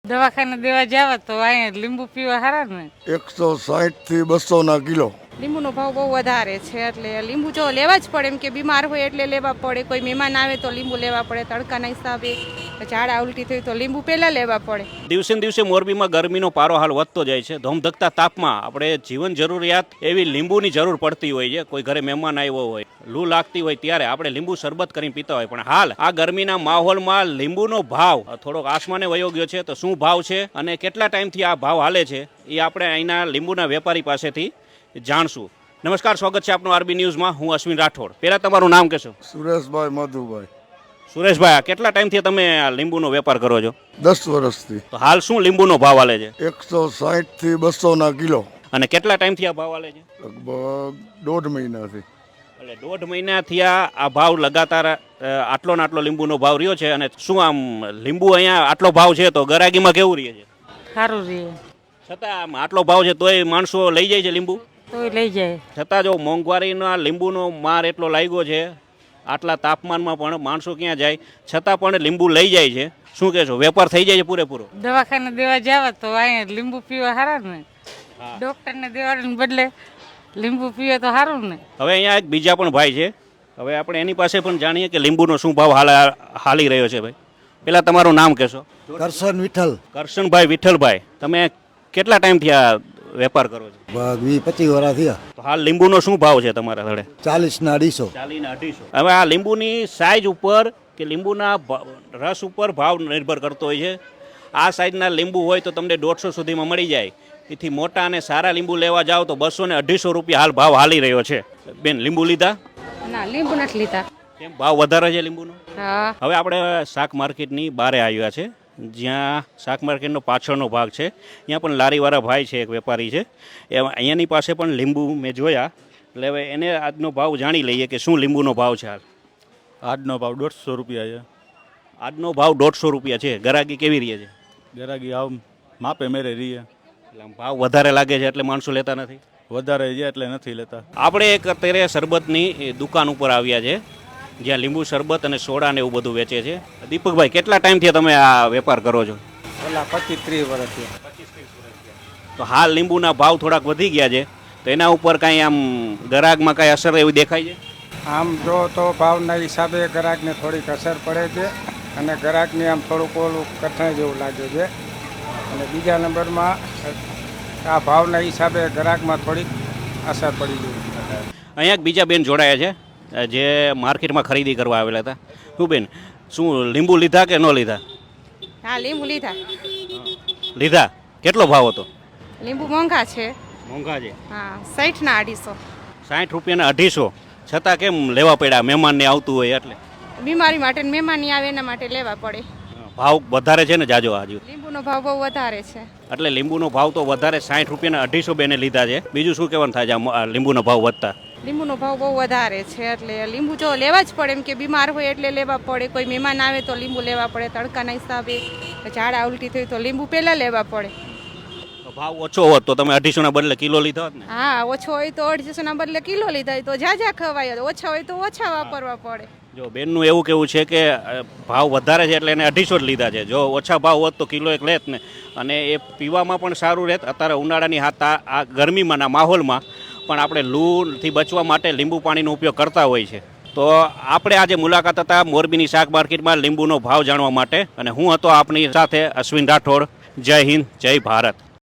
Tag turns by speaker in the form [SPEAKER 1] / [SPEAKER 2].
[SPEAKER 1] દવાખાને દેવા જાવ તો અહીંયા લીંબુ પીવા હારા ને
[SPEAKER 2] 160 થી 200 ના કિલો.
[SPEAKER 3] લીંબુનો ભાવ બહુ વધારે છે એટલે લીંબુ જો લેવા જ પડે, એમ કે બીમાર હોય એટલે લેવા પડે. કોઈ મહેમાન આવે તો લીંબુ લેવા પડે, તડકાના હિસાબે ઝાડા ઉલટી થઈ તો લીંબુ પહેલાં લેવા પડે.
[SPEAKER 4] દિવસે ને દિવસે મોરબીમાં ગરમીનો પારો હાલ વધતો જાય છે. ધોમધકતા તાપમાં આપણે જીવન જરૂરિયાત એવી લીંબુની જરૂર પડતી હોય છે. કોઈ ઘરે મહેમાન આવ્યો હોય, લૂ લાગતી હોય ત્યારે આપણે લીંબુ શરબત કરીને પીતા હોય. પણ હાલ આ ગરમીના માહોલમાં લીંબુનો ભાવ થોડોક આસમાને વયો ગયો છે. તો શું ભાવ છે અને કેટલા ટાઈમથી આ ભાવ હાલે છે એ આપણે અહીંના લીંબુના વેપારી પાસેથી જાણશું. નમસ્કાર, સ્વાગત છે આપનું આરબી ન્યૂઝમાં. હું અશ્વિન રાઠોડ. પહેલા તમારું નામ કહેશો?
[SPEAKER 2] સુરેશભાઈ મધુભાઈ.
[SPEAKER 4] સુરેશભાઈ, કેટલા ટાઈમથી તમે આ લીંબુનો વેપાર કરો છો?
[SPEAKER 2] 10 વર્ષથી.
[SPEAKER 4] તો હાલ શું લીંબુનો ભાવ હાલે છે?
[SPEAKER 2] 160 થી 200 ના કિલો.
[SPEAKER 4] અને કેટલા ટાઈમથી આ ભાવ હાલે છે?
[SPEAKER 2] લગભગ 1.5 મહિનાથી.
[SPEAKER 4] એટલે 1.5 મહિનાથી આ ભાવ લગાતાર આટલો ને આટલો લીંબુનો ભાવ રહ્યો છે. અને શું આમ લીંબુ અહીંયા આટલો ભાવ છે તો ગરાગીમાં કેવું રહે છે?
[SPEAKER 1] સારું રહે.
[SPEAKER 4] છતાં આમ આટલો ભાવ છે તોય માણસો લઈ જાય છે લીંબુ?
[SPEAKER 1] તોય લઈ જાય.
[SPEAKER 4] છતાં જો મોંઘવારીના લીંબુનો માર એટલો લાગ્યો છે, આટલા તાપમાનમાં પણ માણસો ક્યાં જાય છતાં પણ લીંબુ લઈ જાય છે. શું કહેશો, વેપાર થઈ જાય છે પૂરેપૂરો?
[SPEAKER 1] દવાખાને દેવા જાવ તો અહીંયા લીંબુ પીવા હારા ને. ડોક્ટરને દેવાને બદલે લીંબુ પીવે તો સારું ને. હવે
[SPEAKER 4] અહીંયા એક બીજા પણ ભાઈ છે, હવે આપણે એની પાસે પણ જાણીએ કે લીંબુનો શું ભાવ હાલી રહ્યો છે. ભાઈ, પેલા તમારું નામ કહેશો?
[SPEAKER 2] કરશન વિઠ્ઠલ.
[SPEAKER 4] કરશનભાઈ વિઠ્ઠલભાઈ, તમે કેટલા ટાઈમથી આ વેપાર કરો છો?
[SPEAKER 2] 20-25 વર્ષ થયા.
[SPEAKER 4] તો હાલ લીંબુનો શું ભાવ છે તમારા ઘરે?
[SPEAKER 2] 40 ના 250.
[SPEAKER 4] 40 ના 250. હવે આ લીંબુની સાઈઝ ઉપર કે લીંબુના રસ ઉપર ભાવ નિર્ભર કરતો હોય છે. આ સાઈઝના લીંબુ હોય તો તમને 150 સુધીમાં મળી જાય. એથી મોટા અને સારા લીંબુ લેવા જાઓ તો 200 ને 250 રૂપિયા હાલ ભાવ હાલી રહ્યો છે. બેન, લીંબુ લીધા?
[SPEAKER 3] ના, લીંબુ નથી લીધા.
[SPEAKER 4] કેમ, ભાવ વધારે છે લીંબુનો?
[SPEAKER 3] હા.
[SPEAKER 4] હવે આપણે શાક માર્કેટની બહારે આવ્યા છે, જ્યાં શાક માર્કેટનો પાછળનો ભાગ છે. ત્યાં પણ લારીવાળા ભાઈ છે, એક વેપારી છે. અહીંયાની પાસે પણ લીંબુ મેં જોયા. એટલે હવે એને આજનો ભાવ જાણી લઈએ કે શું લીંબુનો ભાવ છે હાલ.
[SPEAKER 5] આજનો ભાવ 150 રૂપિયા છે.
[SPEAKER 4] આજનો ભાવ 150 રૂપિયા છે. ગરાગી કેવી રહે છે?
[SPEAKER 5] ગરાગી આવ માપે મેરે રહીએ.
[SPEAKER 4] એટલે આમ ભાવ વધારે લાગે છે એટલે માણસો લેતા નથી?
[SPEAKER 5] વધારે છે એટલે નથી લેતા.
[SPEAKER 4] આપણે એક અત્યારે શરબતની દુકાન ઉપર આવ્યા છે, જ્યાં લીંબુ શરબત અને સોડા ને એવું બધું વેચે છે. દીપકભાઈ, કેટલા ટાઈમથી તમે આ વેપાર કરો છો?
[SPEAKER 6] પેલા 25-30 વર્ષથી.
[SPEAKER 4] તો હાલ લીંબુના ભાવ થોડાક વધી ગયા છે, તો એના ઉપર કાંઈ આમ ગ્રાહકમાં કાંઈ અસર એવી દેખાય છે?
[SPEAKER 6] આમ જો તો ભાવના હિસાબે ગ્રાહકને થોડીક અસર પડે છે અને ગ્રાહકને આમ થોડુંક ઓલું કઠણ જેવું લાગે છે. અને બીજા નંબરમાં આ ભાવના હિસાબે ગ્રાહકમાં થોડીક અસર પડી ગઈ.
[SPEAKER 4] અહીંયા એક બીજા બેન જોડાયા છે, જે માર્કેટમાં ખરીદી કરવા આવેલા હતા. શું બેન, શું લીંબુ લીધા કે ન લીધા?
[SPEAKER 3] હા, લીંબુ લીધા.
[SPEAKER 4] લીધા. કેટલો ભાવ હતો?
[SPEAKER 3] લીંબુ મોંઘા છે.
[SPEAKER 4] મોંઘા છે?
[SPEAKER 3] હા, 60 ના 250.
[SPEAKER 4] 60 રૂપિયાના 250. છતાં કેમ લેવા પડ્યા? મહેમાનને આવતું હોય એટલે?
[SPEAKER 3] બીમારી માટે ને મહેમાની આવે એના માટે લેવા પડે.
[SPEAKER 4] ભાવ વધારે છે ને જાજો આજુ?
[SPEAKER 3] લીંબુનો ભાવ બહુ વધારે છે.
[SPEAKER 4] એટલે લીંબુનો ભાવ તો વધારે, 60 રૂપિયાના 250 બેને લીધા છે. બીજું શું કહેવાનું થાય છે આ લીંબુનો ભાવ વધતા?
[SPEAKER 3] લીંબુનો ભાવ બહુ વધારે છે એટલે લીંબુ જો લેવા જ પડે, એમ કે બીમાર હોય એટલે લેવા પડે. કોઈ મહેમાન આવે તો લીંબુ લેવા પડે, તડકાના હિસાબે ઝાડા ઉલટી થઈ તો લીંબુ પહેલાં લેવા પડે.
[SPEAKER 4] ભાવ ઓછો હોત તો તમે 250 ના બદલે કિલો લીધા હોત ને?
[SPEAKER 3] હા, ઓછો હોય તો 250 ના બદલે કિલો લીધા તો ઝાઝા ખવાય. ઓછા હોય તો ઓછા વાપરવા પડે.
[SPEAKER 4] જો બેનનું એવું કેવું છે કે ભાવ વધારે છે એટલે એને 250 જ લીધા છે. જો ઓછા ભાવ હોત તો કિલો એક લેત ને, અને એ પીવામાં પણ સારું રહેત. અત્યારે ઉનાળાની આ ગરમીમાંના માહોલમાં પણ આપણે લૂથી બચવા માટે લીંબુ પાણીનો ઉપયોગ કરતા હોય છે. તો આપણે આજે મુલાકાત હતા મોરબીની શાક માર્કેટમાં લીંબુનો ભાવ જાણવા માટે, અને હું હતો આપની સાથે અશ્વિન રાઠોડ. જય હિન્દ, જય ભારત.